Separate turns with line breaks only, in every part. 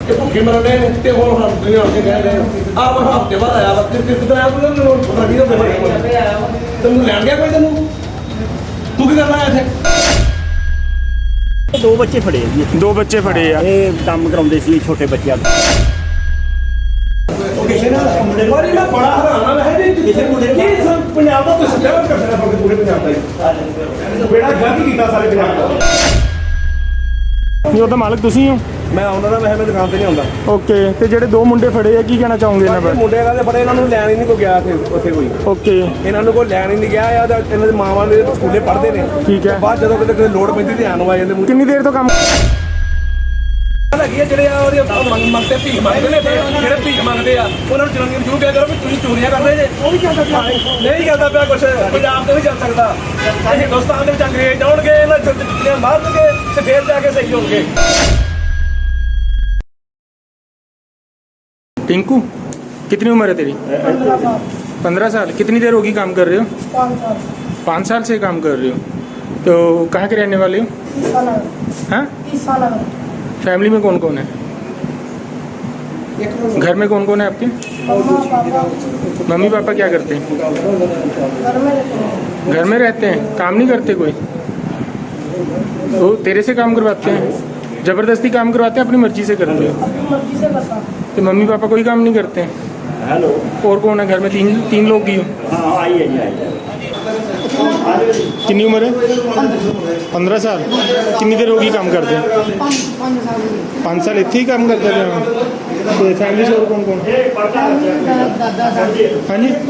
ਕਿ ਭੁੱਖੇ ਮਰਨੇ ਤੇ ਹੁਣ ਹਮ ਦੁਨੀਆ ਕੇ ਕਹਿ ਰਹੇ ਆ ਮੈਂ ਹਫਤੇ ਬਾਅਦ ਆਇਆ ਵਾ ਤੇ ਕਿਤੇ ਆਇਆ ਤੂੰ ਮੈਨੂੰ ਪਤਾ ਨਹੀਂ ਤੈਨੂੰ ਲੈਣ ਗਿਆ ਕੋਈ ਤੈਨੂੰ ਤੂੰ ਕੀ ਕਰਨਾ ਆਇਆ ਇੱਥੇ
ਦੋ ਬੱਚੇ ਫੜੇ ਜੀ
ਦੋ ਬੱਚੇ ਫੜੇ ਆ
ਇਹ ਕੰਮ ਕਰਾਉਂਦੇ ਸੀ ਛੋਟੇ ਬੱਚਿਆਂ ਦਾ
ਕਿਸੇ ਨੇ ਵਾਰੀ ਮੈਂ ਬੜਾ ਹੈਰਾਨ ਹੈ ਜੀ ਕਿਸੇ ਮੁੰਡੇ ਕੀ ਪੰਜਾਬ ਦਾ ਕੋਈ ਸੱਚਾ ਕਰ ਸਕਦਾ ਪੂਰੇ ਪੰਜਾਬ ਦਾ ਹੀ ਬੇੜਾ ਗਲਤ ਕੀਤਾ ਸਾਰੇ ਪੰਜਾਬ ਦਾ
ਨਹੀਂ ਉਹਦਾ ਮਾਲਕ ਤੁਸੀਂ ਹੋ
ਮੈਂ ਆਉਂਦਾ ਤਾਂ ਮੈਂ ਦੁਕਾਨ ਤੇ ਨਹੀਂ ਆਉਂਦਾ
ਓਕੇ ਤੇ ਜਿਹੜੇ ਦੋ ਮੁੰਡੇ ਫੜੇ ਆ ਕੀ ਕਹਿਣਾ ਚਾਹੋਗੇ ਇਹਨਾਂ ਬਾਰੇ
ਮੁੰਡੇ ਕਹਿੰਦੇ ਬੜੇ ਇਹਨਾਂ ਨੂੰ ਲੈਣ ਹੀ ਨਹੀਂ ਕੋਈ ਗਿਆ ਉੱਥੇ ਕੋਈ
ਓਕੇ
ਇਹਨਾਂ ਨੂੰ ਕੋਈ ਲੈਣ ਹੀ ਨਹੀਂ ਗਿਆ ਆ ਇਹਨਾਂ ਦੇ ਮਾਵਾਂ ਦੇ ਸਕੂਲੇ ਪੜ੍ਹਦੇ ਨੇ
ਠੀਕ ਹੈ
ਬਾਅਦ ਜਦੋਂ ਕਿਤੇ ਲੋੜ ਪੈਂਦੀ ਧਿਆਨ ਆ ਜਾਂਦੇ
ਕਿੰਨੀ ਦੇਰ ਤੋਂ ਕੰਮ
ਹੈਗੀ ਆ ਜਿਹੜੇ ਆ ਉਹਦੇ ਮੰਗਤੇ ਭੀਖ ਮੰਗਦੇ ਨੇ ਜਿਹੜੇ ਭੀਖ ਮੰਗਦੇ ਆ ਉਹਨਾਂ ਨੂੰ ਜਨਾਨੀਆਂ ਨੂੰ ਜ਼ਰੂਰ ਕਿਹਾ ਕਰੋ ਵੀ ਤੁਸੀਂ ਚੋਰੀਆਂ ਕਰਦੇ ਜੇ ਉਹ ਵੀ ਚੱਲਦਾ ਨਹੀਂ ਚੱਲਦਾ ਪਿਆ ਕੁਛ ਪੰਜਾਬ ਤੇ ਨਹੀਂ ਚੱਲ ਸਕਦਾ ਹਿੰਦੁਸਤਾਨ ਦੇ ਵਿੱਚ ਅੰਗਰੇਜ਼ ਆਉਣਗੇ ਇਹਨਾਂ ਚੁੱਟੀਆਂ ਮਾਰਨਗੇ ਤੇ ਫੇਰ ਜਾ ਕੇ ਸਹੀ ਹੋਣਗੇ
टिंकू कितनी उम्र है तेरी 15 साल कितनी देर होगी काम कर रहे हो 5 साल से काम कर रहे हो तो कहाँ के रहने वाले हो हाँ फैमिली में कौन कौन है घर में कौन कौन है आपके मम्मी पापा क्या करते हैं घर में रहते हैं काम नहीं करते कोई तो तेरे से काम करवाते हैं जबरदस्ती काम करवाते हैं अपनी मर्जी से करते हो तो मम्मी पापा कोई काम नहीं करते हैं
हेलो
और कौन है घर में तीन लोग ही हो
हाँ आई है जी आई है
कितनी उम्र है 15 साल कितनी देर होगी काम करते हैं 5 साल इतने ही काम करते थे तो फैमिली से और कौन कौन हाँ जी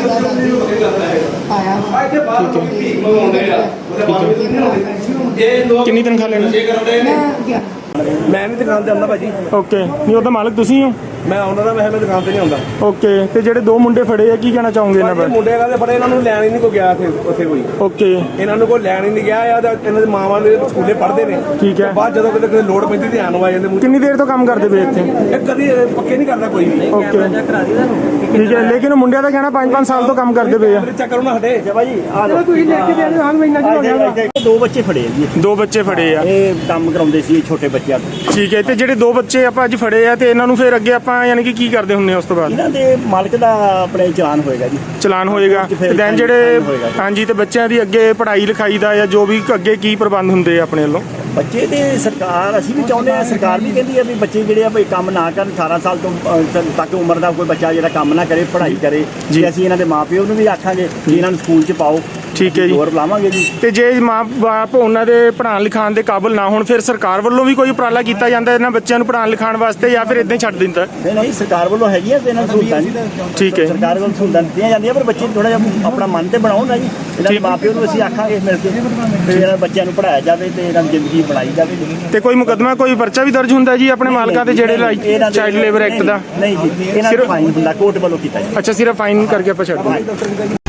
कितनी तनख्वाह लेना
ਮੈਂ ਨਹੀਂ ਦੁਕਾਨ ਤੇ ਆਉਂਦਾ ਭਾਜੀ
ਓਕੇ ਨਹੀਂ ਉਹਦਾ ਮਾਲਕ ਤੁਸੀਂ ਹੋ
ਮੈਂ ਆਉਂਦਾ ਤਾਂ ਮੈਂ ਦੁਕਾਨ ਤੇ ਨਹੀਂ ਆਉਂਦਾ
ਓਕੇ ਤੇ ਜਿਹੜੇ ਦੋ ਮੁੰਡੇ ਫੜੇ ਆ ਕੀ ਕਹਿਣਾ ਚਾਹੋਗੇ ਇਹਨਾਂ ਬਾਰੇ
ਮੁੰਡੇ ਕਹਿੰਦੇ ਬੜੇ ਇਹਨਾਂ ਨੂੰ ਲੈਣ ਹੀ ਨਹੀਂ ਕੋਈ ਗਿਆ ਉੱਥੇ ਕੋਈ
ਓਕੇ
ਇਹਨਾਂ ਨੂੰ ਕੋਈ ਲੈਣ ਹੀ ਨਹੀਂ ਗਿਆ ਆ ਇਹਨਾਂ ਦੇ ਮਾਵਾਂ ਦੇ ਸਕੂਲੇ ਪੜ੍ਹਦੇ ਨੇ
ਠੀਕ ਹੈ
ਬਾਅਦ ਜਦੋਂ ਕਿਤੇ ਲੋੜ ਪੈਂਦੀ ਧਿਆਨ ਆ ਜਾਂਦੇ
ਕਿੰਨੀ ਦੇਰ ਤੋਂ ਕੰਮ ਕਰਦੇ ਪਏ ਇੱਥੇ
ਇਹ ਕਦੀ ਪੱਕੇ ਨਹੀਂ ਕਰਦਾ ਕੋਈ ਵੀ
ਓਕੇ ਠੀਕ ਹੈ ਲੇਕਿਨ ਮੁੰਡਿਆਂ ਦਾ ਕਹਿਣਾ 5-5 ਸਾਲ ਤੋਂ ਕੰਮ ਕਰਦੇ ਪਏ ਆ
ਚੈੱਕ ਕਰੋ ਨਾ ਹਟੇ
ਭਾਜੀ ਆ ਲਓ
ਤੁਸੀਂ ਲੈ ਕੇ ਦੇ ਹਾਂ ਮਹੀਨਾ ਚ ਹੋ ਗਿਆ
ਦੋ ਬੱਚੇ ਫੜੇ ਜੀ
ਦੋ ਬੱਚੇ ਫੜੇ ਆ
ਇਹ ਕੰਮ ਕਰਾਉਂਦੇ ਸੀ ਛੋਟੇ ਬੱਚਿਆਂ ਦਾ
ਠੀਕ ਹੈ ਤੇ ਜਿਹੜੇ ਦੋ ਬੱਚੇ ਆਪਾਂ ਅੱਜ ਫੜੇ ਆ ਤੇ ਇਹਨਾਂ ਨੂੰ ਫਿਰ ਅੱਗੇ ਆਪਾਂ ਯਾਨੀ ਕਿ ਕੀ ਕਰਦੇ ਹੁੰਦੇ ਆ ਉਸ ਤੋਂ ਬਾਅਦ
ਇਹਨਾਂ ਦੇ ਮਾਲਕ ਦਾ ਆਪਣੇ ਚਲਾਨ ਹੋਏਗਾ ਜੀ
ਚਲਾਨ ਹੋਏਗਾ ਤੇ ਦੈਨ ਜਿਹੜੇ ਹਾਂਜੀ ਤੇ ਬੱਚਿਆਂ ਦੀ ਅੱਗੇ ਪੜ੍ਹਾਈ ਲਿਖਾਈ ਦਾ ਜਾਂ ਜੋ ਵੀ ਅੱਗੇ ਕੀ ਪ੍ਰਬੰਧ ਹੁੰਦੇ ਆ ਆਪਣੇ ਵੱਲੋਂ
ਬੱਚੇ ਤੇ ਸਰਕਾਰ ਅਸੀਂ ਵੀ ਚਾਹੁੰਦੇ ਆ ਸਰਕਾਰ ਵੀ ਕਹਿੰਦੀ ਆ ਵੀ ਬੱਚੇ ਜਿਹੜੇ ਆ ਵੀ ਕੰਮ ਨਾ ਕਰਨ 18 ਸਾਲ ਤੋਂ ਤੱਕ ਉਮਰ ਦਾ ਕੋਈ ਬੱਚਾ ਜਿਹੜਾ ਕੰਮ ਨਾ ਕਰੇ ਪੜ੍ਹਾਈ ਕਰੇ ਜੀ ਅਸੀਂ ਇਹਨਾਂ ਦੇ ਮਾਪਿਓ ਨੂੰ ਵੀ ਆਖਾਂਗੇ ਕਿ ਇਹਨਾਂ ਨੂੰ ਸਕੂਲ 'ਚ ਪਾਓ
ਠੀਕ ਹੈ ਜੀ
ਹੋਰ ਬੁਲਾਵਾਂਗੇ ਜੀ
ਤੇ ਜੇ ਮਾਂ ਬਾਪ ਉਹਨਾਂ ਦੇ ਪੜ੍ਹਾਉਣ ਲਿਖਾਉਣ ਦੇ ਕਾਬਿਲ ਨਾ ਹੋਣ ਫਿਰ ਸਰਕਾਰ ਵੱਲੋਂ ਵੀ ਕੋਈ ਉਪਰਾਲਾ ਕੀਤਾ ਜਾਂਦਾ ਇਹਨਾਂ ਬੱਚਿਆਂ ਨੂੰ ਪੜ੍ਹਾਉਣ ਲਿਖਾਉਣ ਵਾਸਤੇ ਜਾਂ ਫਿਰ ਇਦਾਂ ਹੀ ਛੱਡ ਦਿੰਦਾ
ਨਹੀਂ ਸਰਕਾਰ ਵੱਲੋਂ ਹੈਗੀਆਂ ਤੇ ਇਹਨਾਂ ਨੂੰ ਸਹੂਲਤਾਂ ਜੀ
ਠੀਕ ਹੈ
ਸਰਕਾਰ ਵੱਲੋਂ ਸਹੂਲਤਾਂ ਦਿੱਤੀਆਂ ਜਾਂਦੀਆਂ ਪਰ ਬੱਚੇ ਥੋੜਾ ਜਿਹਾ ਆਪਣਾ ਮਨ ਤੇ ਬਣਾਉਣ ਨਾ ਜੀ ਇਹਨਾਂ ਦੇ ਮਾਪਿਓ ਨੂੰ ਅਸੀਂ ਆਖਾਂਗੇ ਮਿਲ ਕੇ ਤੇ ਇਹਨਾਂ ਬੱਚਿਆਂ ਨੂੰ ਪੜ੍ਹਾਇਆ ਜਾਵੇ ਤੇ ਇਹਨਾਂ ਦੀ ਜ਼ਿੰਦਗੀ ਬਣਾਈ ਜਾਵੇ
ਤੇ ਕੋਈ ਮੁਕੱਦਮਾ ਕੋਈ ਪਰਚਾ ਵੀ ਦਰਜ ਹੁੰਦਾ ਜੀ ਆਪਣੇ ਮਾਲਕਾਂ ਤੇ ਜਿਹੜੇ ਚਾਈਲਡ ਲੇਬਰ ਐਕਟ ਦਾ
ਨਹੀਂ ਜੀ ਇਹਨਾਂ ਨੂੰ ਫਾਈਨ ਹੁੰਦਾ ਕੋਰਟ ਵੱਲੋਂ ਕੀਤਾ ਜੀ
ਅੱਛਾ ਸਿਰਫ ਫਾਈਨ ਕਰਕੇ ਆਪਾਂ ਛੱਡ ਦਿੰਦੇ